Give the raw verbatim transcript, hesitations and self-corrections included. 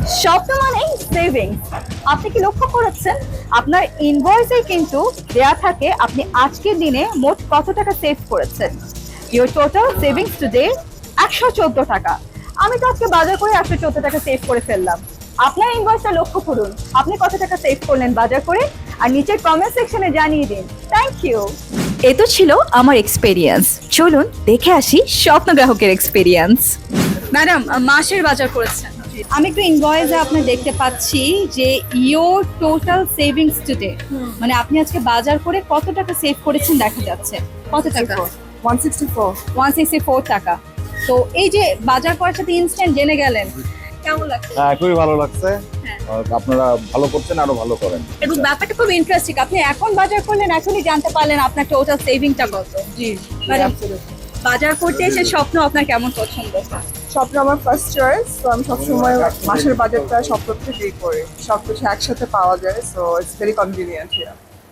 স্বপ্ন মানেই সেভিংস। আপনি কি লক্ষ্য করেছেন আপনার ইনভয়েসে কিন্তু দেয়া থাকে আপনি আজকের দিনে মোট কত টাকা সেভ করেছেন। ইউর টোটাল সেভিংস টুডে একশো চোদ্দ টাকা। আমি তো আজকে বাজার করে একশো চোদ্দ টাকা সেভ করে ফেললাম। আপনার ইনভয়েসটা লক্ষ্য করুন, আপনি কত টাকা সেভ করলেন বাজার করে, আর নিচের কমেন্ট সেকশনে জানিয়ে দিন। Thank you. এ তো ছিল আমার এক্সপেরিয়েন্স। চলুন দেখে আসি স্বপ্ন গ্রাহকের এক্সপেরিয়েন্স। ম্যাডাম, মাসের বাজার করেছেন, আমি একটু ইনভয়েসে আপনি দেখতে পাচ্ছি যে ইওর টোটাল সেভিংস টুডে, মানে আপনি আজকে বাজার করে কত টাকা সেভ করেছেন দেখা যাচ্ছে। কত টাকা? one sixty-four one sixty four টাকা। তো এই যে বাজার করার সাথে ইনস্ট্যান্ট জেনে গেলেন, কেমন লাগছে? হ্যাঁ, খুবই ভালো লাগছে। হ্যাঁ। আর আপনারা ভালো করছেন, আরো ভালো করেন। এবং ব্যাপারটা খুব ইন্টারেস্টিং, আপনি এখন বাজার করলেন এখনই জানতে পারলেন আপনার টোটাল সেভিংটা কত। জি মানে absolutely. বাজার করতে এসে স্বপ্ন আপনার কেমন পছন্দ? স্বপ্ন আমার ফার্স্ট চয়েস, তো আমি সবসময় মাসের বাজেটটা স্বপ্ন থেকেই করি, সব কিছু একসাথে পাওয়া যায়, so it's very convenient here.